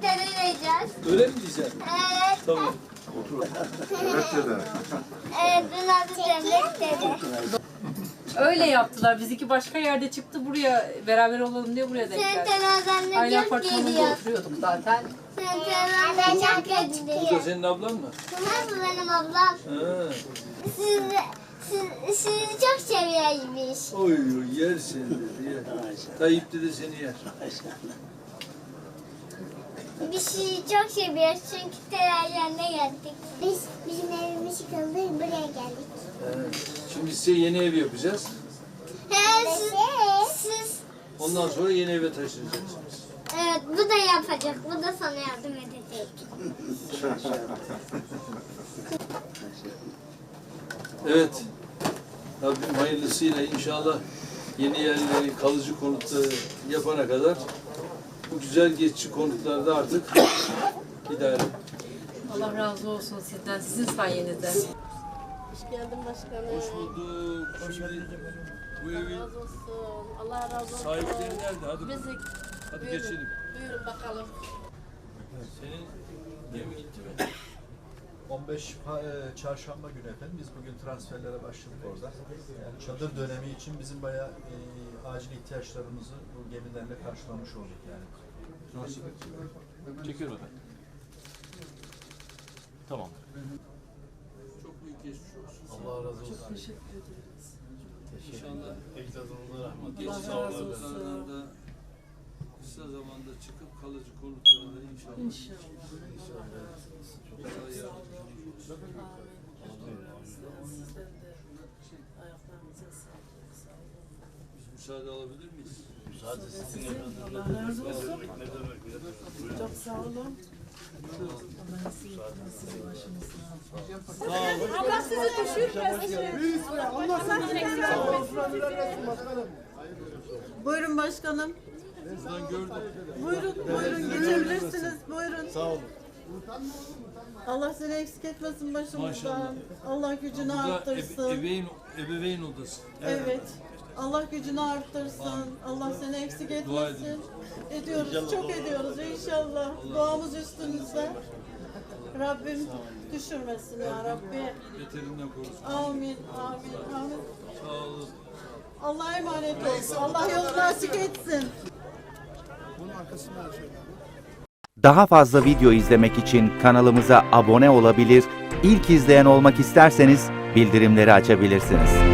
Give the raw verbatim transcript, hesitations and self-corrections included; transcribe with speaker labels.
Speaker 1: vereceğiz.
Speaker 2: Öyle mi diyeceksin?
Speaker 1: Evet.
Speaker 2: Tamam.
Speaker 3: Evet dede.
Speaker 1: Evet, dün adı Cemret dedi.
Speaker 4: Öyle yaptılar. Bizimki başka yerde çıktı, buraya beraber olalım diye buraya denk
Speaker 1: Sen
Speaker 4: geldi.
Speaker 1: terazende
Speaker 4: Aynı
Speaker 1: çok
Speaker 4: apartmanda
Speaker 1: geliyor.
Speaker 4: oturuyorduk zaten.
Speaker 1: Sen terazende çok
Speaker 2: Bu da
Speaker 1: geliyor.
Speaker 2: senin ablan mı?
Speaker 1: Bunlar mı benim ablam?
Speaker 2: Ha.
Speaker 1: Siz, siz, sizi çok seviyormuş.
Speaker 2: Oy oy yer seni dedi yer. Tayyip dedi seni yer.
Speaker 1: Biz sizi çok seviyoruz çünkü terazende geldik. Biz, bizim evimiz yıkıldı, buraya geldik.
Speaker 2: Ha. Şimdi size yeni ev yapacağız.
Speaker 1: He, siz, siz,
Speaker 2: Ondan sonra yeni eve taşınacaksınız.
Speaker 1: evet bu da yapacak, bu da sana yardım edecek.
Speaker 2: Evet. Rabbim hayırlısıyla inşallah yeni yerleri kalıcı konutları yapana kadar bu güzel geçici konutlarda artık idare.
Speaker 4: Allah razı olsun sizden, sizin sayenizde.
Speaker 5: Hoş geldin başkanım.
Speaker 2: Hoş bulduk. Şimdi bu evin
Speaker 5: Razı olsun. Allah razı olsun.
Speaker 2: sahipleri nerede? Hadi,
Speaker 5: Bizi
Speaker 2: hadi
Speaker 5: buyurun.
Speaker 2: geçelim.
Speaker 5: Buyurun bakalım.
Speaker 2: Senin gemi gitti mi?
Speaker 6: on beş pa- e, çarşamba günü efendim biz bugün transferlere başladık orada. Yani çadır dönemi için bizim bayağı e, acil ihtiyaçlarımızı bu gemilerle karşılamış olduk yani.
Speaker 2: Nasıl? Çekiyorum ben.
Speaker 7: Tamam.
Speaker 2: Çok büyük geçmiş olsun.
Speaker 6: Allah razı olsun.
Speaker 4: Teşekkür ederiz.
Speaker 2: İnşallah
Speaker 7: Ecdadımıza rahmet.
Speaker 2: geçici
Speaker 4: Allah razı olsun.
Speaker 2: konutlarda kısa zamanda çıkıp kalıcı konutlarda inşallah.
Speaker 4: İnşallah.
Speaker 2: Allah yardımcınız olsun.
Speaker 4: Sizden de ayaklarınıza sağlık. Sağ olun.
Speaker 2: Biz müsaade alabilir miyiz?
Speaker 7: Müsaade sizin efendim.
Speaker 4: Allah razı olsun.
Speaker 7: Ne demek ya? Buyurun.
Speaker 4: Çok sağ olun. Allah sizi sizin başınızda.
Speaker 8: Buyurun başkanım.
Speaker 2: Buradan gördüm.
Speaker 8: Buyurun, buyurun geçebilirsiniz. Buyurun.
Speaker 7: Sağ olun.
Speaker 8: Allah seni eksik etmesin başımızdan.
Speaker 2: Maşallah.
Speaker 8: Allah gücünü
Speaker 2: Bu da
Speaker 8: arttırsın.
Speaker 2: ebe- ebeveyn, ebeveyn odası.
Speaker 8: Evet. Allah gücünü arttırsın. Allah seni eksik
Speaker 2: Dua
Speaker 8: etmesin.
Speaker 2: edin.
Speaker 8: Ediyoruz, çok ediyoruz inşallah. Duamız üstünüzde. Rabbim düşürmesin ya Rabbi.
Speaker 2: Beterinden korusun.
Speaker 8: Amin, amin, amin.
Speaker 2: Sağ olun.
Speaker 8: Allah'a emanet olsun. Allah yolunu açık etsin.
Speaker 9: Daha fazla video izlemek için kanalımıza abone olabilir, ilk izleyen olmak isterseniz bildirimleri açabilirsiniz.